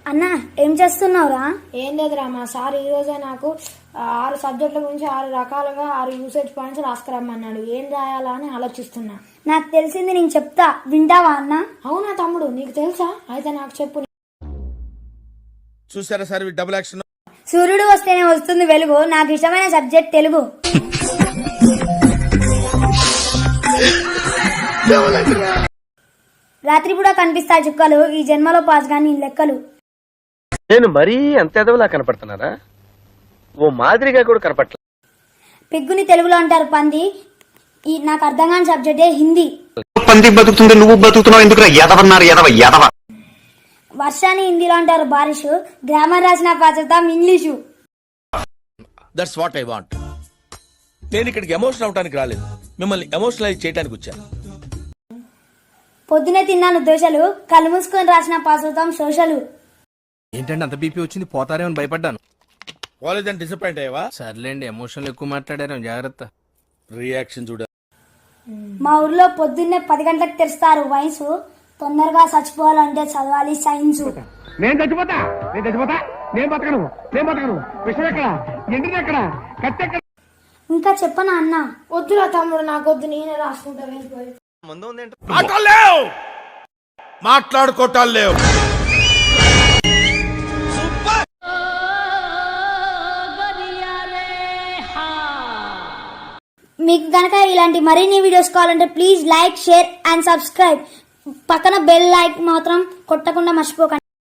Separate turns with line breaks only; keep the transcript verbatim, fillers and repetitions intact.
అన్న ఏం చేస్తున్నావురా?
ఏం లేదురా మా సార్ ఈ రోజే నాకు ఆరు సబ్జెక్టుల గురించి ఆరు రకాలుగా ఆరు యూసేజ్ పాయింట్స్ రాసుకురమ్మన్నాడు. ఏం రాయాలా అని ఆలోచిస్తున్నా.
నాకు తెలిసింది నేను చెప్తా, వింటావా అన్న?
అవునా తమ్ముడు, నీకు తెలుసా? అయితే నాకు చెప్పు.
చూసారా సార్ డబుల్ యాక్షన్.
సూర్యుడు వస్తేనే వస్తుంది వెలుగు. నాకు ఇష్టమైన సబ్జెక్ట్ తెలుగు. రాత్రి కూడా కనిపిస్తాయి చుక్కలు, ఈ జన్మలో పాస్ గాని లెక్కలు.
నేను మరీ అంత ఎదవలా కనపడుతున్నారా? ఓ మాదిరిగా కూడా కనపడలే.
పిగ్గుని తెలుగులో అంటారు పంది. ఈ నాకు అర్థం కాని సబ్జెక్టే హిందీ.
పంది బతుకుతుంది, నువ్వు బతుకుతున్నావు ఎందుకు? ఎదవన్నారు ఎదవ ఎదవ.
వర్షాన్ని హిందీలో అంటారు బారిషు. గ్రామర్ రాసిన పాచతాం English.
That's what I want. నేను ఇక్కడికి ఎమోషనల్ అవడానికి రాలేదు, మిమ్మల్ని ఎమోషనలైజ్ చేయడానికి వచ్చాను.
పొద్దునే తిన్నాను దోశలు, కళ్ళు మూసుకొని రాసిన పాచతాం సోషలు.
ఏంటంటే అంత బీపీ వచ్చింది, పోతారేమని భయపడ్డాను.
కాలేజ్ అని డిసప్పాయింట్ అయ్యావా?
సర్లేండి, ఎమోషనల్ ఎక్కువ మాట్లాడారు, జాగ్రత్త.
రియాక్షన్ చూడ.
మా ఊర్లో పొద్దున్నే పది గంటలకు తెరుస్తారు వయసు. తొందరగా చచ్చిపోవాలంటే చదవాలి సైన్స్.
నేను చచ్చిపోతా నేను చచ్చిపోతా నేను బతకను నేను బతకను విషయం ఎక్కడ ఎండిది ఎక్కడ కత్తి ఎక్కడ?
ఇంకా చెప్పనా అన్న?
వద్దురా తమ్ముడు, నాకొద్దు, నేనే రాసుకుంటా. వెళ్ళిపోయి
మాట్లాడలేవు మాట్లాడుకోవటాలు లేవు.
మీకు గనక ఇలాంటి మరిన్ని వీడియోస్ కావాలంటే please like, share and subscribe. పక్కన బెల్ లైక్ మాత్రం కొట్టకుండా మర్చిపోకండి.